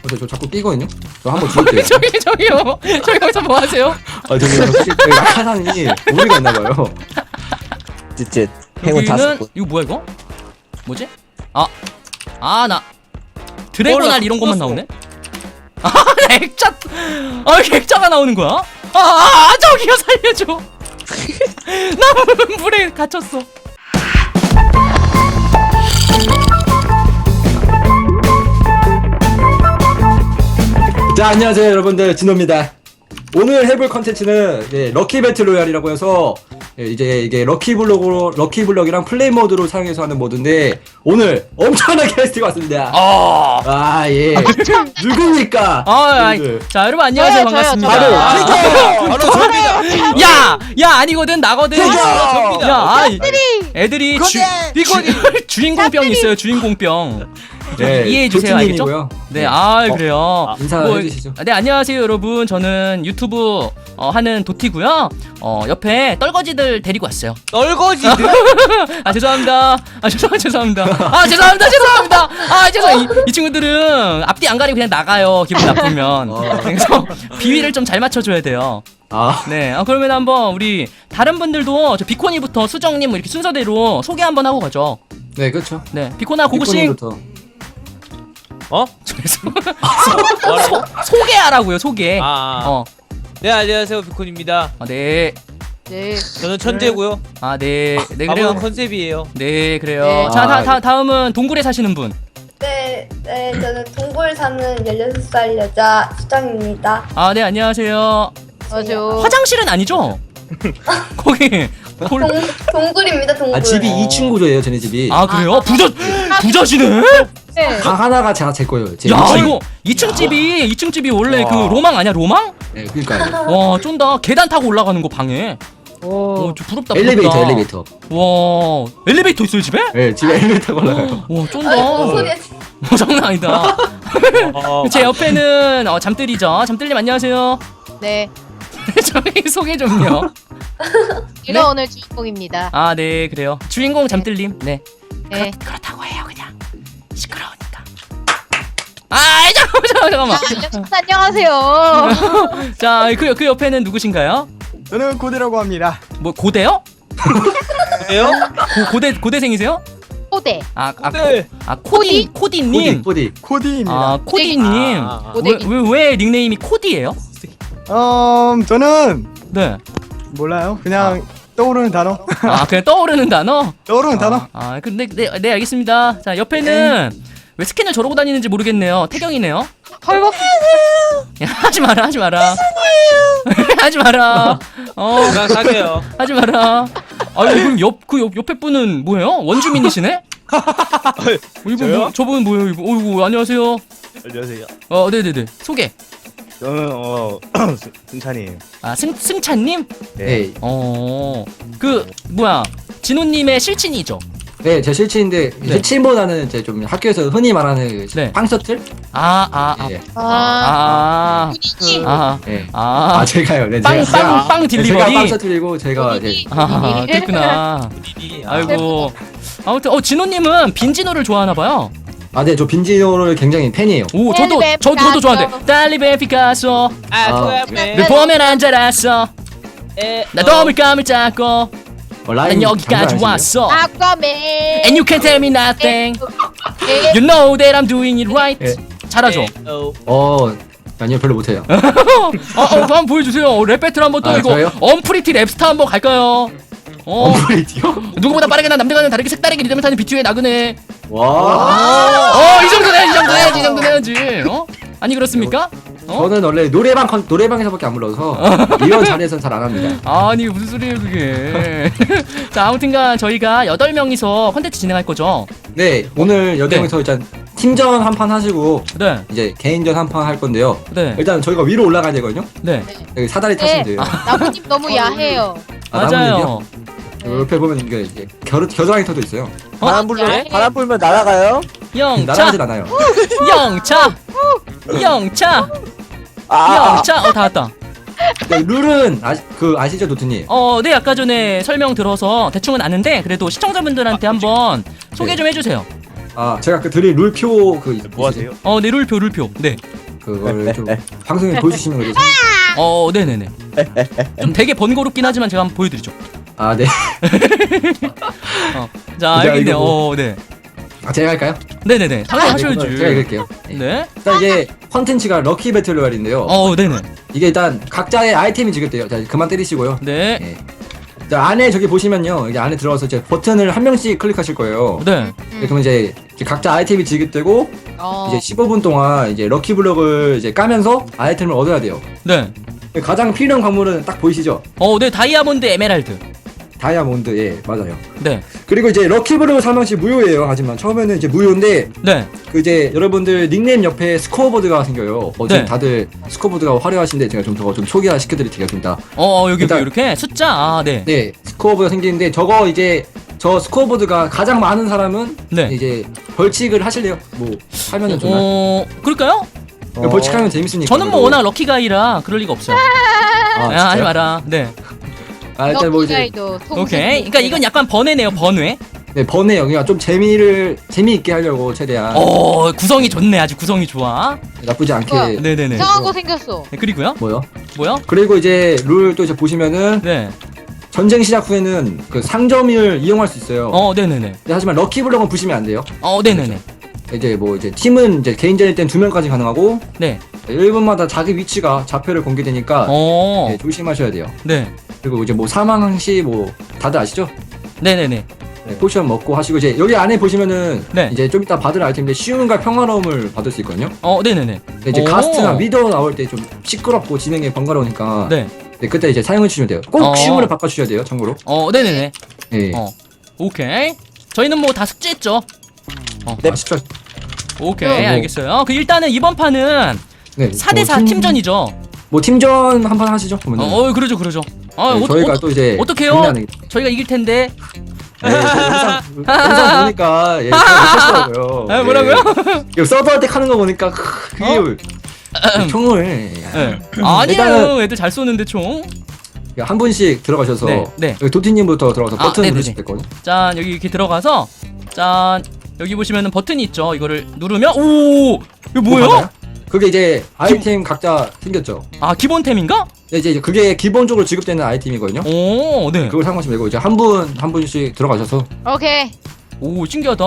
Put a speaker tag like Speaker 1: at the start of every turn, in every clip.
Speaker 1: 저 자꾸 끼거든요. 저 한번 줄게요.
Speaker 2: 저기요. 저기 여기서 뭐 하세요?
Speaker 1: 아 저기 낙하산이 오리가 있나봐요.
Speaker 3: 쯧쯧. 행운 다섯
Speaker 2: 여기는
Speaker 3: 분.
Speaker 2: 이거 뭐야 이거? 뭐지? 나 드래곤알 이런 것만 나오네? 액자! 액자가 나오는 거야? 저기요 살려줘! 나 물에 갇혔어.
Speaker 1: 자 안녕하세요 여러분들, 진호입니다. 오늘 해볼 컨텐츠는 럭키 배틀 로얄이라고 해서 이제 이게 럭키블럭이랑 플레이 모드로 사용해서 하는 모드인데 오늘 엄청난 게스트가 왔습니다. 예. 누굽니까?
Speaker 2: 자 여러분 안녕하세요.
Speaker 4: 저요,
Speaker 2: 반갑습니다.
Speaker 3: 바로 저입니다.
Speaker 2: 야 아니거든 나거든. 애들이 주인공병이 있어요. 주인공병. 이해해 주세요. 알겠죠?
Speaker 1: 조티님이고요.
Speaker 2: 네, 그래요.
Speaker 1: 인사해 주시죠.
Speaker 2: 네, 안녕하세요, 여러분. 저는 유튜브 하는 도티고요. 옆에 떨거지들 데리고 왔어요.
Speaker 3: 떨거지들?
Speaker 2: 죄송합니다. 죄송합니다. 이 친구들은 앞뒤 안 가리고 그냥 나가요. 기분 나쁘면. 그래서 비위를 좀 잘 맞춰줘야 돼요. 네, 그러면 한번 우리 다른 분들도 저 비코니부터 수정님 이렇게 순서대로 소개 한번 하고 가죠.
Speaker 1: 네, 그렇죠.
Speaker 2: 네, 비코나 고고싱. 소개하라고요, 소개.
Speaker 3: 네, 안녕하세요. 비콘입니다.
Speaker 2: 네.
Speaker 4: 네.
Speaker 3: 저는 천재고요.
Speaker 2: 네, 그래요.
Speaker 3: 그래요. 컨셉이에요.
Speaker 2: 네, 그래요.
Speaker 4: 네.
Speaker 2: 자, 다음은 동굴에 사시는 분.
Speaker 5: 네, 저는 동굴 사는 16살 여자 수정입니다.
Speaker 2: 네, 안녕하세요.
Speaker 4: 맞아요.
Speaker 2: 화장실은 아니죠? 거기
Speaker 5: 동굴입니다, 동굴.
Speaker 1: 집이 2층 구조예요, 쟤네 집이.
Speaker 2: 그래요? 부자시네?
Speaker 4: 네.
Speaker 1: 방 하나가 제 거예요. 제
Speaker 2: 야,
Speaker 1: 이층.
Speaker 2: 이거 2층 집이 원래 그 로망 아니야, 로망?
Speaker 1: 네, 그러니까요.
Speaker 2: 와, 쫀다. 계단 타고 올라가는 거 방에. 좀 부럽다.
Speaker 1: 엘리베이터.
Speaker 2: 와, 엘리베이터 있어요, 집에?
Speaker 1: 네, 집에 엘리베이터가 올라가요.
Speaker 2: 와, 쫀다.
Speaker 5: 무슨 소리야?
Speaker 2: 장난 아니다. 제 옆에는 잠들이죠. 잠들님 안녕하세요.
Speaker 4: 네.
Speaker 2: 저희 소개 좀요.
Speaker 4: 제가 오늘 주인공입니다.
Speaker 2: 네, 그래요. 주인공 잠들님. 네.
Speaker 4: 네.
Speaker 2: 그렇다고 해요, 그냥. 시끄러우니까. 잠깐만.
Speaker 4: 안녕하세요.
Speaker 2: 자, 그 옆에는 누구신가요?
Speaker 6: 저는 고대라고 합니다.
Speaker 2: 뭐 고대요?
Speaker 3: 그래요?
Speaker 2: 고대생이세요?
Speaker 4: 호대.
Speaker 2: 코디님.
Speaker 1: 코디.
Speaker 6: 코디입니다.
Speaker 2: 코디님.
Speaker 4: 고데기.
Speaker 2: 왜 닉네임이 코디예요?
Speaker 6: 저는
Speaker 2: 네.
Speaker 6: 몰라요. 그냥 떠오르는 단어.
Speaker 2: 그냥 떠오르는 단어?
Speaker 6: 떠오르는 단어.
Speaker 2: 근데 네, 알겠습니다. 자, 옆에는 왜 스캔을 저러고 다니는지 모르겠네요. 태경이네요.
Speaker 4: 헐벗.
Speaker 2: 야, 하지 마라. 하지 마라.
Speaker 3: 건강 사게요.
Speaker 2: 하지 마라. 그럼 옆에 분은 뭐예요? 원주민이시네?
Speaker 3: 저요?
Speaker 2: 저분 뭐예요? 이거 안녕하세요.
Speaker 6: 안녕하세요.
Speaker 2: 네네네. 소개.
Speaker 6: 저는 승찬이에요.
Speaker 2: 승찬님?
Speaker 1: 네.
Speaker 2: 진호님의 실친이죠?
Speaker 1: 네, 제 실친인데
Speaker 2: 네.
Speaker 1: 실친보다는 제 좀 학교에서 흔히 말하는
Speaker 2: 네.
Speaker 1: 빵셔틀?
Speaker 2: 네.
Speaker 1: 제가요. 네,
Speaker 2: 빵
Speaker 1: 제가
Speaker 2: 딜리버리?
Speaker 1: 빵셔틀이고 제가 이제
Speaker 2: 그렇구나. 아이고. 아무튼 진호님은 빈진호를 좋아하나봐요.
Speaker 1: 네, 저 빈지노를 굉장히 팬이에요.
Speaker 2: 오, 저도 좋아하는데. 달리베 피카소. 늘 보면 안 자랐어. 나 너무 감을 잡고. 난 여기까지 왔어.
Speaker 4: 아까맨.
Speaker 2: And you can't tell me nothing. You know that I'm doing it right. 잘하죠?
Speaker 1: 아니요, 별로 못해요.
Speaker 2: 한번 보여주세요. 랩 배틀 한번 또 이거
Speaker 1: 저요?
Speaker 2: 언프리티 랩스타 한번 갈까요?
Speaker 1: 언프리티요?
Speaker 2: 누구보다 빠르게 난 남들과는 다르게 색다르게 리듬을 타는 비투의 나그네.
Speaker 1: 와.
Speaker 2: 이 정도는 해야지. 아니 그렇습니까?
Speaker 1: 저는 원래 노래방에서밖에 안 불러서 이런 자리에서는 잘 안 합니다.
Speaker 2: 아니 무슨 소리예요 그게. 자, 아무튼간 저희가 8명이서 컨텐츠 진행할 거죠.
Speaker 1: 네, 오늘 8명이서 일단 팀전 한 판 하시고
Speaker 2: 네.
Speaker 1: 이제 개인전 한 판 할 건데요.
Speaker 2: 네.
Speaker 1: 일단 저희가 위로 올라가야 되거든요.
Speaker 2: 네.
Speaker 1: 여기 사다리 타시면 돼요.
Speaker 4: 나무님 너무 야해요.
Speaker 2: 맞아요.
Speaker 1: 옆에 보면 이게 겨드랑이터도 있어요.
Speaker 3: 바람 불면 날아가요?
Speaker 2: 영차.
Speaker 1: 날아가진 않아요.
Speaker 2: 영차. 다 왔다.
Speaker 1: 네, 룰은 아시죠, 노트님?
Speaker 2: 네, 아까 전에 설명 들어서 대충은 아는데 그래도 시청자분들한테 한번 소개 좀 해주세요.
Speaker 1: 제가 드릴 룰표
Speaker 3: 뭐 하세요?
Speaker 2: 네, 룰표. 네.
Speaker 1: 그걸 좀 방송에 보여주시면 되죠.
Speaker 2: 네네네. 좀 되게 번거롭긴 하지만 제가 한번 보여드리죠.
Speaker 1: 아, 네.
Speaker 2: 자,
Speaker 1: 자,
Speaker 2: 여기 있네요.
Speaker 1: 이거 뭐-
Speaker 2: 네.
Speaker 1: 아, 제가 할까요?
Speaker 2: 네네네. 당연히
Speaker 1: 네,
Speaker 2: 하셔야지.
Speaker 1: 제가 읽을게요.
Speaker 2: 네.
Speaker 1: 일단 이게 컨텐츠가 럭키 배틀 로얄인데요.
Speaker 2: 네네.
Speaker 1: 이게 일단 각자의 아이템이 지급돼요. 자, 그만 때리시고요.
Speaker 2: 네.
Speaker 1: 네. 자, 안에 저기 보시면요. 이제 안에 들어가서 이제 버튼을 한 명씩 클릭하실 거예요.
Speaker 2: 네.
Speaker 1: 네, 그러면 이제 각자 아이템이 지급되고 이제 15분 동안 이제 럭키 블럭을 이제 까면서 아이템을 얻어야 돼요.
Speaker 2: 네.
Speaker 1: 가장 필요한 광물은 딱 보이시죠?
Speaker 2: 네. 다이아몬드, 에메랄드.
Speaker 1: 다이아몬드, 예, 맞아요.
Speaker 2: 네.
Speaker 1: 그리고 이제 럭키 블럭을 사면 시 무료예요. 하지만 처음에는 이제 무료인데
Speaker 2: 네.
Speaker 1: 그 이제 여러분들 닉네임 옆에 스코어보드가 생겨요. 지금
Speaker 2: 네.
Speaker 1: 다들 스코어보드가 화려하신데 제가 좀 저거 좀 소개화 시켜드리겠습니다.
Speaker 2: 여기
Speaker 1: 일단-
Speaker 2: 이렇게 숫자. 네.
Speaker 1: 네, 스코어보드가 생기는데 저거 이제 저 스코어보드가 가장 많은 사람은
Speaker 2: 네.
Speaker 1: 이제 벌칙을 하실래요? 뭐 하면은 좋나요?
Speaker 2: 그럴까요?
Speaker 1: 벌칙하면 재밌으니까.
Speaker 2: 저는 뭐 워낙 럭키가이라 그럴 리가 없어요. 하지
Speaker 1: 진짜요?
Speaker 2: 마라. 네.
Speaker 1: 일단 뭐 이제
Speaker 4: 럭키가이도
Speaker 2: 오케이. 그러니까 이건 약간 번외네요. 번외.
Speaker 1: 네, 번외요. 그냥 좀 재미있게 하려고 최대한
Speaker 2: 구성이 좋네. 아주 구성이 좋아.
Speaker 1: 나쁘지 않게.
Speaker 4: 뭐야?
Speaker 2: 네네네.
Speaker 4: 이상한 거 생겼어.
Speaker 2: 네, 그리고요.
Speaker 1: 뭐요?
Speaker 2: 뭐요?
Speaker 1: 그리고 이제 룰 또 이제 보시면은
Speaker 2: 네.
Speaker 1: 전쟁 시작 후에는 그 상점을 이용할 수 있어요.
Speaker 2: 네네네.
Speaker 1: 근데 하지만 럭키 블럭은 부시면 안 돼요.
Speaker 2: 네네네.
Speaker 1: 이제 뭐 이제 팀은 이제 개인전일 땐 2명까지 가능하고
Speaker 2: 네.
Speaker 1: 1분마다 자기 위치가 좌표를 공개되니까
Speaker 2: 어.
Speaker 1: 네, 조심하셔야 돼요.
Speaker 2: 네.
Speaker 1: 그리고 이제 뭐 사망 시 뭐 다들 아시죠?
Speaker 2: 네네네.
Speaker 1: 네, 포션 먹고 하시고 이제 여기 안에 보시면은
Speaker 2: 네.
Speaker 1: 이제 좀 이따 받을 아이템인데 쉬움과 평화로움을 받을 수 있거든요.
Speaker 2: 네네네.
Speaker 1: 근데 이제
Speaker 2: 오.
Speaker 1: 가스트나 미더 나올 때 좀 시끄럽고 진행이 번거로우니까
Speaker 2: 네.
Speaker 1: 네, 그때 이제 사용해 주시면 돼요. 꼭 쉬움으로 바꿔주셔야 돼요. 참고로.
Speaker 2: 네네네.
Speaker 1: 네.
Speaker 2: 오케이. 저희는 뭐 다 숙제했죠.
Speaker 1: 네. 쉽죠.
Speaker 2: 오케이.
Speaker 1: 뭐.
Speaker 2: 알겠어요. 그 일단은 이번 판은
Speaker 1: 네.
Speaker 2: 4대4 팀전이죠.
Speaker 1: 뭐 팀전 한 판 하시죠. 그러면.
Speaker 2: 그러죠, 그러죠.
Speaker 1: 네, 저희가 또 이제
Speaker 2: 어떡해요?
Speaker 1: 장난이-
Speaker 2: 저희가 이길 텐데.
Speaker 1: 네, 영상 보니까 예, 못하시더라고요.
Speaker 2: 뭐라고요?
Speaker 1: 예, 서버 할 때 하는 거 보니까 그게 총을
Speaker 2: 네. 아니에요. 애들 잘 쏘는데 총.
Speaker 1: 한 분씩 들어가셔서
Speaker 2: 네.
Speaker 1: 여기 도티님부터 들어가서 버튼
Speaker 2: 네네네.
Speaker 1: 누르실 거든요.
Speaker 2: 짠, 여기 이렇게 들어가서 짠, 여기 보시면은 버튼이 있죠. 이거를 누르면 이거 뭐예요?
Speaker 1: 그게 이제 아이템 각자 생겼죠.
Speaker 2: 기본템인가?
Speaker 1: 네, 이제 그게 기본적으로 지급되는 아이템이거든요.
Speaker 2: 네.
Speaker 1: 그걸 상관없이 말고 이제 한 분씩 들어가셔서
Speaker 4: 오케이.
Speaker 2: 신기하다.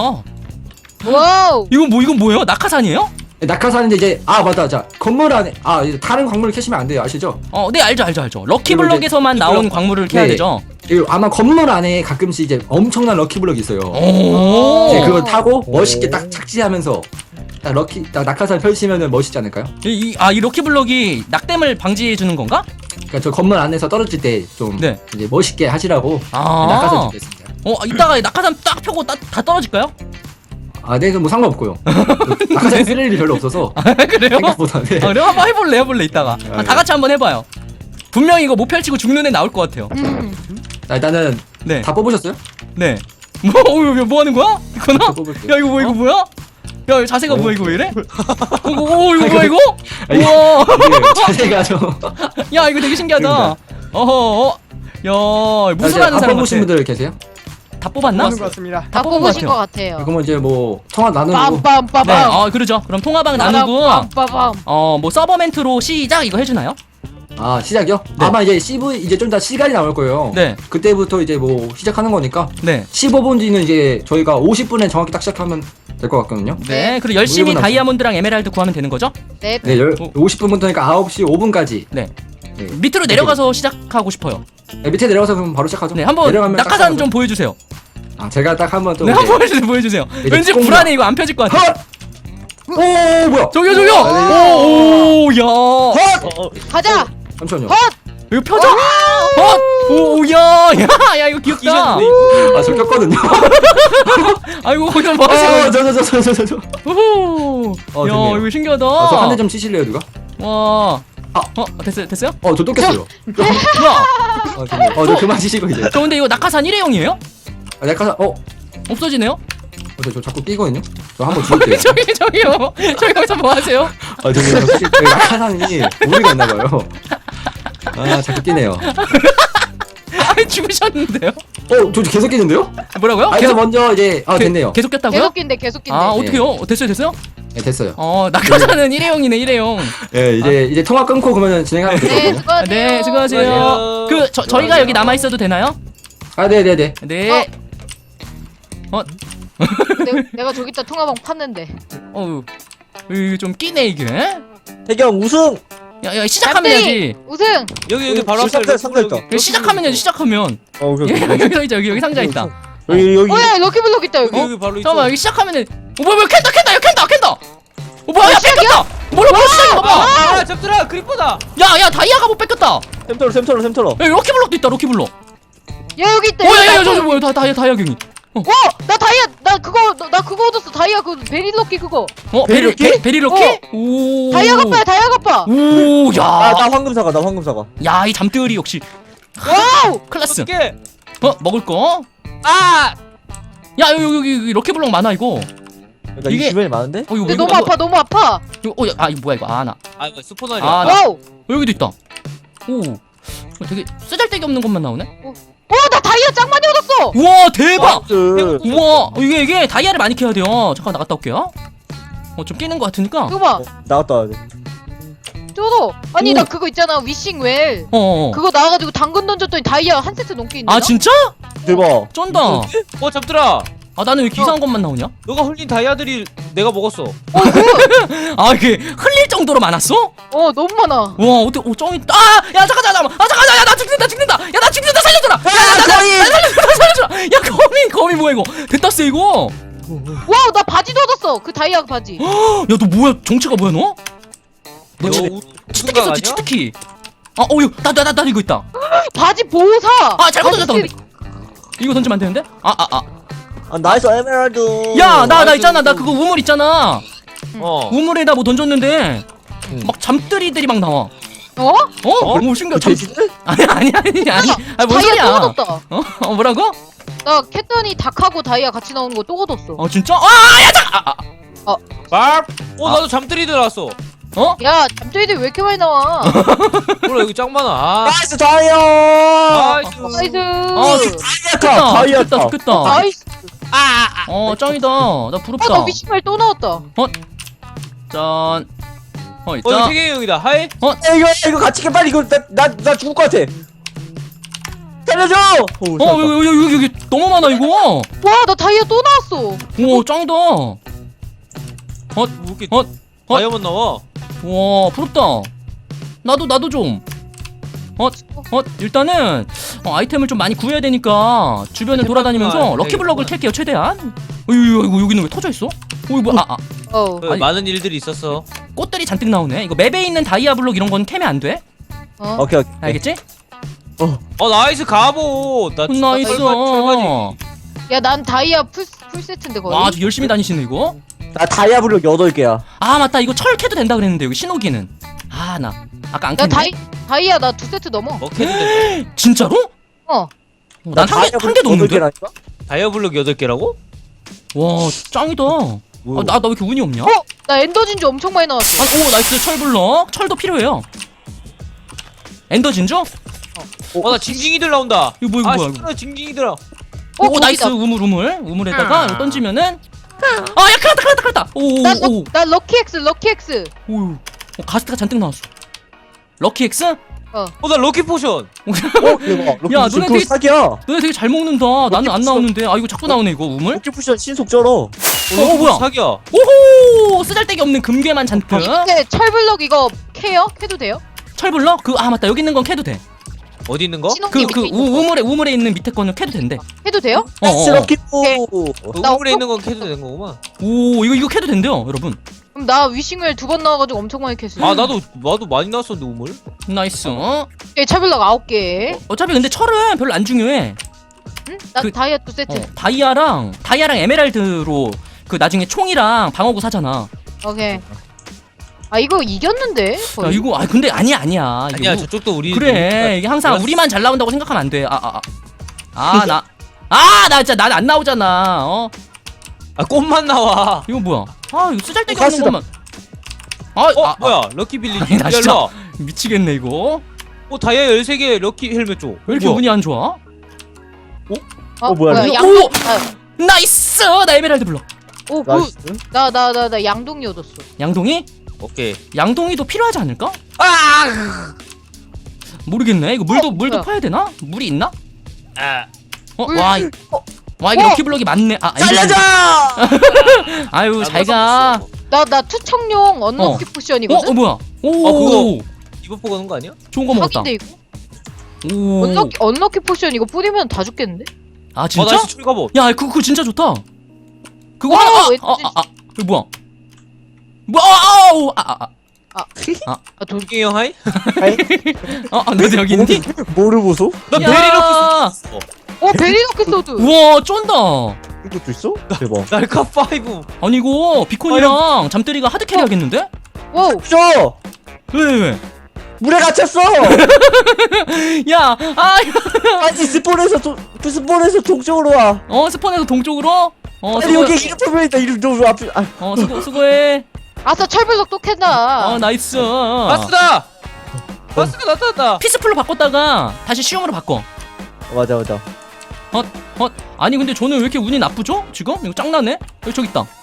Speaker 4: 와우.
Speaker 2: 이건 뭐예요? 낙하산이에요?
Speaker 1: 낙하산인데 이제 맞다, 자 건물 안에 이제 다른 광물을 캐시면 안 돼요, 아시죠?
Speaker 2: 네, 알죠.
Speaker 1: 그리고
Speaker 2: 럭키블럭에서만
Speaker 1: 이제
Speaker 2: 나온
Speaker 1: 블럭-
Speaker 2: 광물을 캐야
Speaker 1: 네.
Speaker 2: 되죠.
Speaker 1: 그리고 아마 건물 안에 가끔씩 이제 엄청난 럭키블럭이 있어요.
Speaker 2: 오.
Speaker 1: 이제 그걸 타고 멋있게 딱 착지하면서 딱 낙하산 펼치면은 멋있지 않을까요?
Speaker 2: 이 럭키블럭이 낙뎀을 방지해 주는 건가?
Speaker 1: 그러니까 저 건물 안에서 떨어질 때 좀
Speaker 2: 네.
Speaker 1: 이제 멋있게 하시라고
Speaker 2: 아.
Speaker 1: 낙하산 주겠습니다.
Speaker 2: 이따가 낙하산 딱 펴고 다 떨어질까요?
Speaker 1: 네, 뭐 상관없고요. 낙하산 쓸 일이 별로 없어서
Speaker 2: 그래요?
Speaker 1: 생각보다. 네.
Speaker 2: 그럼 한번 해볼래 이따가. 다 같이 한번 해봐요. 분명히 이거 못 펼치고 죽는 애 나올 것 같아요.
Speaker 1: 자, 일단은
Speaker 2: 네.
Speaker 1: 다 뽑으셨어요?
Speaker 2: 네. 뭐 하는 거야? 이거나?
Speaker 1: 저 뽑을게요.
Speaker 2: 야 이거 뭐야? 야 이거 자세가 뭐야 이거 왜 이래? 이거 뭐야 이거?
Speaker 1: 아니,
Speaker 2: 우와.
Speaker 1: 이게 자세가 좀.
Speaker 2: 야 이거 되게 신기하다. 어허. 야 무술하는
Speaker 1: 안
Speaker 2: 사람
Speaker 1: 뽑으신
Speaker 2: 같아.
Speaker 1: 분들 계세요?
Speaker 2: 다 뽑았나?
Speaker 6: 하는 것 같습니다.
Speaker 4: 다
Speaker 2: 뽑은
Speaker 4: 뽑으신
Speaker 2: 것
Speaker 4: 것 같아요.
Speaker 1: 그러면 이제 뭐 통화 나누고
Speaker 4: 빰빰빰빰.
Speaker 2: 네. 그러죠. 그럼 통화방 나누고
Speaker 4: 빰빰빰.
Speaker 2: 뭐 서버 멘트로 시작 이거 해주나요?
Speaker 1: 시작이요?
Speaker 2: 네.
Speaker 1: 아마 이제 CV 이제 좀 더 시간이 나올 거예요.
Speaker 2: 네.
Speaker 1: 그때부터 이제 뭐 시작하는 거니까
Speaker 2: 네.
Speaker 1: 15분 뒤는 이제 저희가 50분에 정확히 딱 시작하면 될 것 같거든요.
Speaker 2: 네. 그리고 열심히
Speaker 1: 우유분
Speaker 2: 다이아몬드랑 에메랄드 구하면 되는 거죠?
Speaker 4: 네.
Speaker 1: 네, 50분부터니까 9시 5분까지.
Speaker 2: 네.
Speaker 1: 네.
Speaker 2: 밑으로 내려가서 시작하고 싶어요.
Speaker 1: 네, 밑에 내려가서 그럼 바로 시작하죠.
Speaker 2: 네. 한번
Speaker 1: 내려가면 딱
Speaker 2: 낙하산
Speaker 1: 시작하죠.
Speaker 2: 좀 보여주세요.
Speaker 1: 제가 딱 한번 또
Speaker 2: 네.
Speaker 1: 이제-
Speaker 2: 한번 보여주세요.
Speaker 1: 이제
Speaker 2: 왠지
Speaker 1: 꽁나.
Speaker 2: 불안해 이거 안 펴질 것 같아.
Speaker 1: 헛! 오, 뭐야?
Speaker 2: 저기요. 야.
Speaker 4: 가자.
Speaker 1: 잠시만요.
Speaker 2: 이거 펴져? 야 이거 귀엽다.
Speaker 1: 저 켰거든요.
Speaker 2: 아이고 거기서 뭐 하세요?
Speaker 1: 저.
Speaker 2: 오호. 야
Speaker 1: 됐네요.
Speaker 2: 이거 신기하다.
Speaker 1: 저 한 대 좀 치실래요, 누가?
Speaker 2: 와. 됐어요?
Speaker 1: 저 또 깼어요.
Speaker 2: 뭐야?
Speaker 1: 됐네요. 저 그만 치시고 이제.
Speaker 2: 저 근데 이거 낙하산 일회용이에요?
Speaker 1: 낙하산,
Speaker 2: 없어지네요?
Speaker 1: 저 자꾸 끼거든요. 저 한번 죽을게요.
Speaker 2: 저기요. 저기 거기서 뭐 하세요?
Speaker 1: 저기 낙하산이 오류가 있나봐요. 자꾸 끼네요.
Speaker 2: 아니 죽으셨는데요?
Speaker 1: 저 계속 끼는데요?
Speaker 2: 뭐라고요?
Speaker 1: 그래서 먼저 이제, 됐네요.
Speaker 2: 계속 꼈다고요?
Speaker 4: 계속 낀데.
Speaker 2: 어떡해요? 됐어요?
Speaker 1: 네, 됐어요.
Speaker 2: 낙하산은 일회용이네, 일회용.
Speaker 1: 예, 이제 통화 끊고 그러면 진행하면
Speaker 4: 네,
Speaker 1: 되거든요.
Speaker 4: 수고하세요.
Speaker 2: 네, 수고하세요.
Speaker 3: 수고하세요.
Speaker 2: 저희가 여기 남아 있어도 되나요?
Speaker 1: 아, 네네네.
Speaker 2: 네.
Speaker 4: 내가 저기다 통화방 팠는데.
Speaker 2: 이거 좀 끼네 이게.
Speaker 3: 태경 우승.
Speaker 2: 야, 시작하면 해야지.
Speaker 4: 우승.
Speaker 3: 여기 바로 앞에
Speaker 6: 상자 있다.
Speaker 2: 여기 시작하면 해야지. 시작하면.
Speaker 3: 오케이.
Speaker 2: 여기 있자. 여기 상자 있다.
Speaker 3: 여기.
Speaker 4: 야 럭키블럭 있다 여기.
Speaker 3: 여기 바로 있어.
Speaker 2: 잠깐만, 여기 시작하면 해. 뭐야, 캔다. 뭐야, 야,
Speaker 4: 시작이야?
Speaker 2: 뺏겼다. 뭐야, 시작이야, 봐봐.
Speaker 3: 아, 잡들아 크리퍼다.
Speaker 2: 야, 다이아가 못 뺏겼다.
Speaker 3: 샘털어.
Speaker 2: 야, 럭키블럭도 있다, 럭키블럭.
Speaker 4: 야 여기 있다.
Speaker 2: 야, 저 뭐야, 다이아 경이.
Speaker 4: 나 다이아 나 그거 얻었어. 다이아 그 베리럭키 그거.
Speaker 3: 베리럭키?
Speaker 2: 베리럭키? 오.
Speaker 4: 다이아 갚아.
Speaker 2: 오, 야.
Speaker 3: 나 황금 사과.
Speaker 2: 야, 이 잠들이 역시
Speaker 4: 와우.
Speaker 2: 클래스.
Speaker 3: 어떻게?
Speaker 2: 먹을 거?
Speaker 3: 아!
Speaker 2: 야, 여기 럭키블럭 많아 이거.
Speaker 3: 그러니까
Speaker 2: 이게-
Speaker 3: 이 주변에 많은데?
Speaker 2: 이거
Speaker 4: 야, 너무 아파.
Speaker 2: 이거 이거 뭐야 이거? 나.
Speaker 3: 아, 이거 스포너야.
Speaker 4: 와우.
Speaker 2: 여기도 있다. 오. 되게 쓰잘데기 없는 것만 나오네.
Speaker 4: 나 다이아 짱 많이 얻었어.
Speaker 2: 우와, 대박.
Speaker 3: 그
Speaker 2: 우와, 이게 다이아를 많이 캐야 돼요. 잠깐 나갔다 올게요. 좀 끼는 것 같으니까.
Speaker 4: 그거 봐.
Speaker 3: 나갔다 와야 돼.
Speaker 4: 저도. 아니
Speaker 2: 오.
Speaker 4: 나 그거 있잖아. 위싱웰.
Speaker 2: 어.
Speaker 4: 그거 나와가지고 당근 던졌더니 다이아 한 세트 넘게 있네.
Speaker 2: 아, 진짜?
Speaker 3: 대박.
Speaker 2: 쩐다.
Speaker 3: 잡들아.
Speaker 2: 나는 왜 이렇게 이상한 것만 나오냐?
Speaker 3: 너가 흘린 다이아들이 내가 먹었어.
Speaker 2: 이게 흘릴 정도로 많았어?
Speaker 4: 너무 많아.
Speaker 2: 와, 어떻게 짱이 야, 잠깐만. 야, 나 죽는다. 야, 나 죽는다. 살려줘라. 살려줘라. 야, 거미 뭐야 이거? 됐다 쎄 이거.
Speaker 4: 와우 나 바지도 얻었어. 그 다이아 바지.
Speaker 2: 야, 너 뭐야? 정체가 뭐야 너?
Speaker 3: 너
Speaker 2: 치트키 썼지, 치트키. 나 이거 있다.
Speaker 4: 바지 보호사.
Speaker 2: 잘못
Speaker 4: 바지
Speaker 2: 던졌다 근데. 이거 던지면 안 되는데?
Speaker 3: 나이스 에메랄드.
Speaker 2: 야, 나 있잖아. 나 그거 우물 있잖아. 우물에다 뭐 던졌는데 막 잠들이들이 막 나와. 뭐 신기해.
Speaker 3: 돼지들?
Speaker 2: 아니. 뭔
Speaker 4: 다이아
Speaker 2: 소리야?
Speaker 4: 또 얻었다.
Speaker 2: 뭐라고?
Speaker 4: 나 캣더니 닭하고 다이아 같이 나오는 거 또 얻었어.
Speaker 2: 진짜?
Speaker 3: 밥. 나도 잠들이들 나왔어.
Speaker 4: 야 잠들이들 왜 이렇게 많이 나와?
Speaker 3: 몰라 여기 짱 많아.
Speaker 2: 어.
Speaker 3: 나이스 다이아.
Speaker 4: 나이스.
Speaker 3: 다이아 다.
Speaker 2: 좋겠다.
Speaker 4: 나이스.
Speaker 2: 짱이다. 나 부럽다.
Speaker 4: 나 위싱웰 또 나왔다.
Speaker 2: 짠.
Speaker 3: 이거
Speaker 2: 있다.
Speaker 3: 세계 형이다. 하이.
Speaker 2: 어?
Speaker 3: 이거 같이 게 빨리 이거 나 죽을 것 같아. 살려줘.
Speaker 2: 여기 너무 많아 이거.
Speaker 4: 와 나 다이아 또 나왔어.
Speaker 2: 오, 짱이다.
Speaker 3: 뭐 이렇게 다이아몬드 나와.
Speaker 2: 와, 부럽다. 나도 좀. 일단은 아이템을 좀 많이 구해야 되니까 주변을 돌아다니면서 럭키블럭을 캘게요 최대한. 이거 여기는 왜 터져 있어? 이거 뭐야? 아니.
Speaker 3: 많은 일들이 있었어.
Speaker 2: 꽃들이 잔뜩 나오네. 이거 맵에 있는 다이아 블록 이런 건 캐면 안 돼.
Speaker 3: 오케이.
Speaker 2: 알겠지?
Speaker 3: 나이스 갑옷. 나
Speaker 2: 나이스.
Speaker 4: 야 난 다이아 풀 세트인데 거의.
Speaker 2: 와, 아주 열심히 다니시네 이거.
Speaker 3: 나 다이아 블록 8개야.
Speaker 2: 맞다. 이거 철 캐도 된다 그랬는데 여기 신호기는. 나 아까 안
Speaker 4: 나
Speaker 2: 캤네.
Speaker 4: 다이아 나 2세트 넘어.
Speaker 3: 먹해도 돼.
Speaker 2: 진짜로? 난 한 개도 없는데?
Speaker 3: 다이아 블록 8개라고?
Speaker 2: 와, 짱이다. 나 왜 이렇게 운이 없냐?
Speaker 4: 나 엔더 진주 엄청 많이 나왔어.
Speaker 2: 나이스. 철블럭. 철도 필요해요. 엔더 진주?
Speaker 3: 나 징징이들 나온다.
Speaker 2: 이거 뭐야, 이거 뭐야,
Speaker 3: 싫어, 징징이들아.
Speaker 2: 나이스. 우물에다가 이거 던지면은 야, 큰일났다.
Speaker 4: 나 럭키엑스.
Speaker 2: 가스트가 잔뜩 나왔어. 럭키 X?
Speaker 3: 나 럭키 포션.
Speaker 2: 대박. 야, 너네 되게
Speaker 3: 사기야.
Speaker 2: 너네 되게 잘 먹는다. 나는 안 나오는데. 이거 자꾸 나오네 이거 우물.
Speaker 3: 럭키 포션 신속 쩔어.
Speaker 2: 뭐야?
Speaker 3: 사기야.
Speaker 2: 오호! 쓰잘데기 없는 금괴만 잔뜩.
Speaker 4: 근데 철블럭 이거 캐도 돼요?
Speaker 2: 철블럭? 맞다. 여기 있는 건 캐도 돼.
Speaker 3: 어디 있는 거?
Speaker 4: 신혼기 밑에 있는 거.
Speaker 2: 우물에 있는 밑에 거는 캐도 된대.
Speaker 4: 해도 돼요?
Speaker 3: 럭키 포.
Speaker 4: 나
Speaker 3: 우물에 있는 건 캐도 되는 거구만.
Speaker 2: 이거 캐도 된대요, 여러분.
Speaker 4: 그럼 나 위싱웰 2번 나와가지고 엄청 많이 캤어.
Speaker 3: 나도 많이 나왔었는데 우물.
Speaker 2: 나이스.
Speaker 4: 철블럭 9개.
Speaker 2: 어차피 근데 철은 별로 안 중요해.
Speaker 4: 응? 나 다이아 2세트.
Speaker 2: 다이아랑 에메랄드로 그 나중에 총이랑 방어구 사잖아.
Speaker 4: 오케이. 이거 이겼는데? 거의?
Speaker 2: 이거 근데 아니야.
Speaker 3: 아니야,
Speaker 2: 이거
Speaker 3: 저쪽도 우리.
Speaker 2: 그래. 이게 항상
Speaker 3: 몰랐어.
Speaker 2: 우리만 잘 나온다고 생각하면 안 돼. 나 진짜 난 안 나오잖아.
Speaker 3: 꽃만 나와.
Speaker 2: 이거 뭐야? 이거 쓰잘데기 없는
Speaker 3: 가스다.
Speaker 2: 것만.
Speaker 3: 뭐야? 럭키 빌리지.
Speaker 2: 아니, 나 진짜
Speaker 3: 일로 와.
Speaker 2: 미치겠네 이거.
Speaker 3: 다이아 13개 럭키 헬멧 줘.
Speaker 2: 왜 이렇게 운이 안 좋아?
Speaker 3: 뭐야, 이거?
Speaker 4: 양복.
Speaker 2: 나이스! 나 에메랄드 블럭.
Speaker 4: 오,
Speaker 3: 나이스.
Speaker 4: 나 양동이 얻었어.
Speaker 2: 양동이?
Speaker 7: 오케이.
Speaker 2: 양동이도 필요하지 않을까? 모르겠네. 이거 물도
Speaker 4: 뭐야?
Speaker 2: 파야 되나? 물이 있나?
Speaker 4: 물.
Speaker 2: 와 이게 럭키블럭이 많네.
Speaker 3: 살려줘!
Speaker 2: 아유
Speaker 7: 나도
Speaker 2: 잘가.
Speaker 4: 나 투척용 언럭키 포션이거든?
Speaker 2: 뭐야? 오
Speaker 7: 그거. 이거 보고 오는 거 아니야?
Speaker 2: 좋은 거 먹었다.
Speaker 4: 사기인데 이거?
Speaker 2: 오.
Speaker 4: 언럭키 포션 이거 뿌리면 다 죽겠는데?
Speaker 2: 아 진짜?
Speaker 7: 나이스 철갑옷.
Speaker 2: 야 그거 진짜 좋다. 그거
Speaker 4: 어,
Speaker 2: 하나.
Speaker 4: 왠지-
Speaker 2: 이거 뭐야?
Speaker 7: 돌기 형 하이?
Speaker 2: 너 여기 있니?
Speaker 3: 뭐를 보소?
Speaker 7: 나
Speaker 2: 야.
Speaker 7: 베리럭키 있어.
Speaker 4: 베리너키 소드.
Speaker 2: 우와 쫀다.
Speaker 3: 이것도 있어? 대박.
Speaker 7: 날카 5.
Speaker 2: 아니 이거 비콘이랑 잠들이가 하드캐리 하겠는데?
Speaker 4: 와우.
Speaker 3: 줘!
Speaker 2: 왜?
Speaker 3: 물에 갇혔어!
Speaker 2: 야,
Speaker 3: 아니 스폰에서 동쪽으로 와.
Speaker 2: 스폰에서 동쪽으로.
Speaker 3: 아니 여기 이름 표명이다. 이름 너 앞에. 아,
Speaker 2: 수고해.
Speaker 4: 아싸 철불석 또 캔다.
Speaker 2: 나이스.
Speaker 7: 바스다. 바스가 나타났다.
Speaker 2: 피스풀로 바꿨다가 다시 시험으로 바꿔.
Speaker 3: 맞아.
Speaker 2: 아니 근데 저는 왜 이렇게 운이 나쁘죠? 지금? 이거 짱나네? 여기 저기 있다.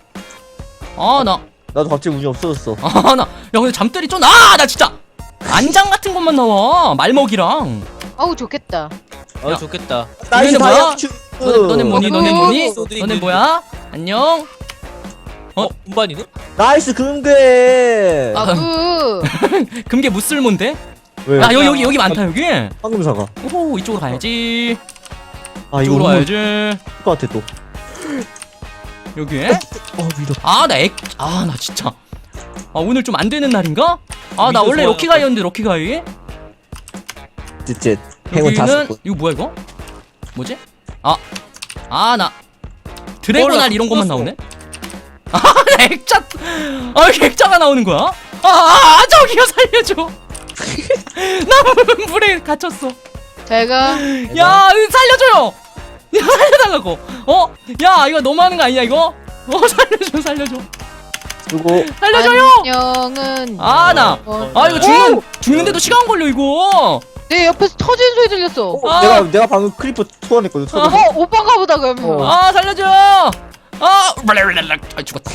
Speaker 3: 나도 갑자기 운이 없어졌어.
Speaker 2: 야 근데 잠들이 나 진짜 안장 같은 것만 나와. 말먹이랑.
Speaker 4: 아우 좋겠다.
Speaker 7: 좋겠다.
Speaker 3: 나이스
Speaker 2: 뭐야?
Speaker 3: 다이아추.
Speaker 2: 너네 뭐니?
Speaker 7: 소드리
Speaker 2: 너네
Speaker 7: 그-
Speaker 2: 뭐야? 안녕.
Speaker 7: 운반이네?
Speaker 3: 나이스 금괴.
Speaker 2: 금괴 무쓸몬데?
Speaker 3: 왜?
Speaker 2: 여기 많다 여기.
Speaker 3: 황금사가.
Speaker 2: 오 이쪽으로 가야지.
Speaker 3: 아 이거
Speaker 2: 이쪽으로
Speaker 3: 운이
Speaker 2: 가야지.
Speaker 3: 것 같아 또.
Speaker 2: 여기.
Speaker 3: 밀어.
Speaker 2: 나 진짜. 오늘 좀 안 되는 날인가? 나
Speaker 7: 믿어
Speaker 2: 원래
Speaker 7: 좋아요.
Speaker 2: 럭키가이였는데 럭키가이.
Speaker 3: 쯧. 행운 다섯
Speaker 2: 여기는
Speaker 3: 번.
Speaker 2: 이거 뭐야 이거? 뭐지? 나 드래곤알
Speaker 7: 나
Speaker 2: 이런 것만
Speaker 7: 떴어.
Speaker 2: 나오네. 액자. 이렇게 액자가 나오는 거야? 저기요 살려줘. 나 물에 갇혔어.
Speaker 4: 제가
Speaker 2: 야 살려줘요. 야 살려달라고. 야 이거 너무하는 거 아니야 이거? 살려줘.
Speaker 3: 그리고
Speaker 2: 살려줘요.
Speaker 4: 안녕은
Speaker 2: 이거 죽는데도 시간 걸려 이거.
Speaker 4: 내 옆에서 터지는 소리 들렸어.
Speaker 3: 내가 방금 크리퍼 투원했거든.
Speaker 4: 오빠가 보다 그러면.
Speaker 2: 살려줘. 죽었다.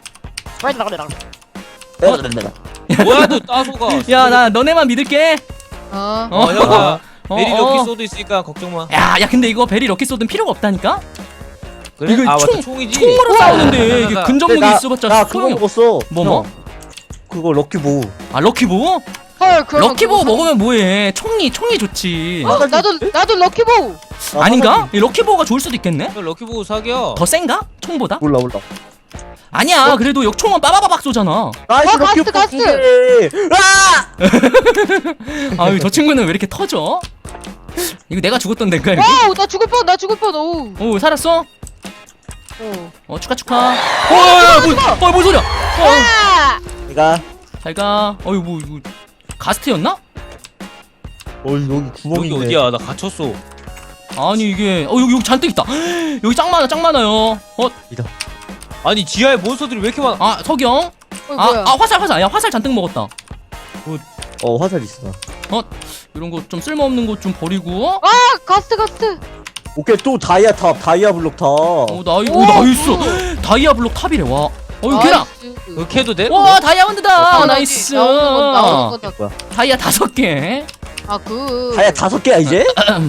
Speaker 7: 뭐야 너 따소가.
Speaker 2: 야 나 너네만 믿을게.
Speaker 7: 형아. 베리럭키
Speaker 2: 어.
Speaker 7: 소드 있으니까 걱정 마.
Speaker 2: 야 근데 이거 베리 럭키 소드는 필요가 없다니까?
Speaker 7: 그래?
Speaker 2: 이거
Speaker 7: 맞다
Speaker 2: 총-
Speaker 7: 총이지.
Speaker 2: 총으로 싸우는데 이게
Speaker 7: 나-
Speaker 2: 근접무기 있어봤자
Speaker 3: 나 그거
Speaker 2: 소용이 없.
Speaker 3: 먹었어.
Speaker 2: 뭐?
Speaker 3: 형, 그거 럭키 보우.
Speaker 2: 럭키보우?
Speaker 4: 헐 그러면
Speaker 2: 럭키보우
Speaker 4: 그거
Speaker 2: 먹으면 뭐해? 총이 좋지.
Speaker 4: 나도 럭키보우.
Speaker 2: 아닌가? 이 럭키보우가 좋을 수도 있겠네?
Speaker 7: 형 럭키 보고 사겨.
Speaker 2: 더 센가? 총보다?
Speaker 3: 몰라.
Speaker 2: 아니야 그래도 총은 빠바바박 쏘잖아.
Speaker 3: 나이스 럭키
Speaker 4: 가스트.
Speaker 3: 보우.
Speaker 2: 아유 저 친구는 왜 이렇게 터져? 이거 내가 죽었던 데인가 이거?
Speaker 4: 와우 나 죽을 뻔. 오.
Speaker 2: 오 살았어?
Speaker 4: 오.
Speaker 2: 축하. 뭔 소리야?
Speaker 4: 아!
Speaker 3: 내가
Speaker 2: 잘가. 이거 가스트였나?
Speaker 3: 여기 구멍이
Speaker 7: 여기
Speaker 3: 있네.
Speaker 7: 어디야? 나 갇혔어.
Speaker 2: 아니 이게 여기 잔뜩 있다. 여기 짱 많아요.
Speaker 7: 아니 지하에 몬스터들이 왜 이렇게 많아?
Speaker 2: 석영.
Speaker 4: 뭐야?
Speaker 2: 화살. 야 화살 잔뜩 먹었다.
Speaker 3: 화살 있어.
Speaker 2: 이런 거 좀 쓸모없는 거 좀 버리고.
Speaker 4: 가스트.
Speaker 3: 오케이 또 다이아 블록 탑.
Speaker 2: 나이스. 다이아 블록 탑이래. 와. 이거 걔랑.
Speaker 7: 그렇게 해도 돼?
Speaker 2: 와 다이아몬드다. 나이스.
Speaker 4: 나오는 거다.
Speaker 2: 다이아 5개.
Speaker 3: 다이아 5개야 이제?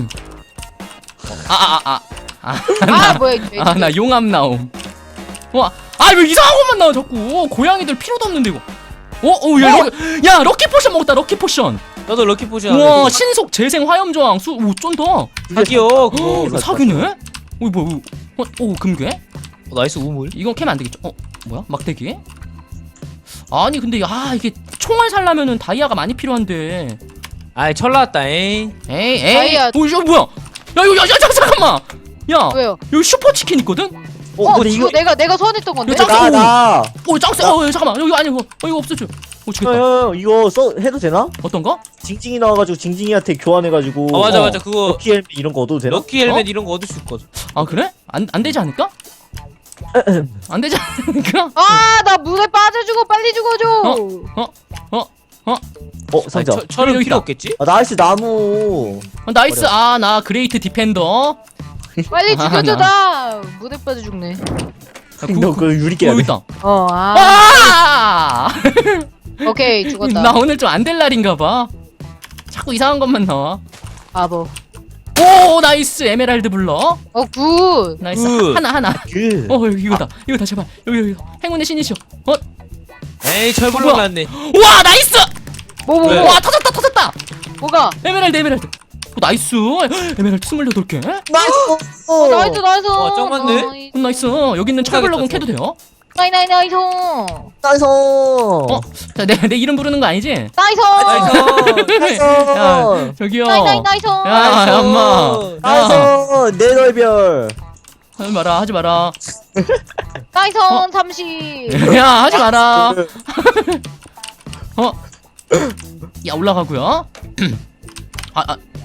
Speaker 4: 뭐야 이게.
Speaker 2: 나 용암 나옴. 왜 이상한 것만 나와 자꾸. 고양이들 필요도 없는데 이거. 야 럭키 포션 먹었다. 럭키 포션.
Speaker 7: 나도 럭키 포션.
Speaker 2: 와 신속 재생 화염 저항 쫀다.
Speaker 7: 사기요 그거.
Speaker 2: 이거 사기네. 뭐야? 금괴?
Speaker 7: 나이스 우물.
Speaker 2: 이건 캐면 안 되겠죠? 뭐야? 막대기? 아니 근데 이게 총알 살려면은 다이아가 많이 필요한데.
Speaker 7: 아이 철 나왔다. 에이.
Speaker 2: 에이.
Speaker 4: 다이아.
Speaker 2: 이거 뭐야? 야 잠깐만. 야
Speaker 4: 왜요?
Speaker 2: 여기 슈퍼 치킨 있거든?
Speaker 3: 근데
Speaker 4: 이거 내가 소환했던 건데.
Speaker 2: 이거 짱-
Speaker 3: 나.
Speaker 2: 짱세. 잠깐만. 여기 아니 이거 없어져. 죽겠다.
Speaker 3: 형 이거 해도 되나?
Speaker 2: 어떤 거?
Speaker 3: 징징이 나와가지고 징징이한테 교환해가지고.
Speaker 7: 맞아 그거
Speaker 3: 럭키 헬멧 이런 거 얻어도 되나?
Speaker 7: 럭키 헬멧 이런 거 얻을 수 있거든.
Speaker 2: 그래? 안 되지 않을까? 안 되지 않을까?
Speaker 4: 나 물에 빠져주고 빨리 죽어줘.
Speaker 3: 상자.
Speaker 7: 철은
Speaker 2: 여기다.
Speaker 7: 필요 없겠지?
Speaker 3: 나이스 나무.
Speaker 2: 나이스. 나 그레이트 디펜더.
Speaker 4: 빨리
Speaker 2: 아,
Speaker 4: 죽여줘 나. 물에 빠져 죽네.
Speaker 3: 너 그거 유리깨야
Speaker 2: 여기
Speaker 3: 돼.
Speaker 2: 있다.
Speaker 4: 아.
Speaker 2: 아!
Speaker 4: 오케이 죽었다.
Speaker 2: 나 오늘 좀 안 될 날인가봐. 자꾸 이상한 것만 나와.
Speaker 4: 바보.
Speaker 2: 오 나이스 에메랄드 블럭.
Speaker 4: 굿.
Speaker 2: 나이스
Speaker 7: 굿.
Speaker 2: 하나.
Speaker 3: 그.
Speaker 2: 이거다 제발 여기 행운의 신이시여.
Speaker 7: 에이 철블럭
Speaker 2: 우와.
Speaker 7: 났네.
Speaker 2: 와 나이스.
Speaker 4: 뭐.
Speaker 7: 네.
Speaker 2: 와 터졌다.
Speaker 4: 뭐가?
Speaker 2: 에메랄드. 나이스. 에메랄드 28개.
Speaker 4: 나이스.
Speaker 7: 와, 짱 많네.
Speaker 2: 나이스. 여기 있는 철블럭은 캐도 돼요.
Speaker 4: 나이스.
Speaker 3: 나이스.
Speaker 2: 자, 내 이름 부르는 거 아니지?
Speaker 4: 나이스.
Speaker 7: 나이스.
Speaker 2: 야, 저기요.
Speaker 4: 나이스.
Speaker 2: 야, 엄마.
Speaker 3: 나이스. 내 넓별.
Speaker 2: 하지 마라.
Speaker 4: 나이스. 30.
Speaker 2: 야, 하지 마라. 야, 올라가고요.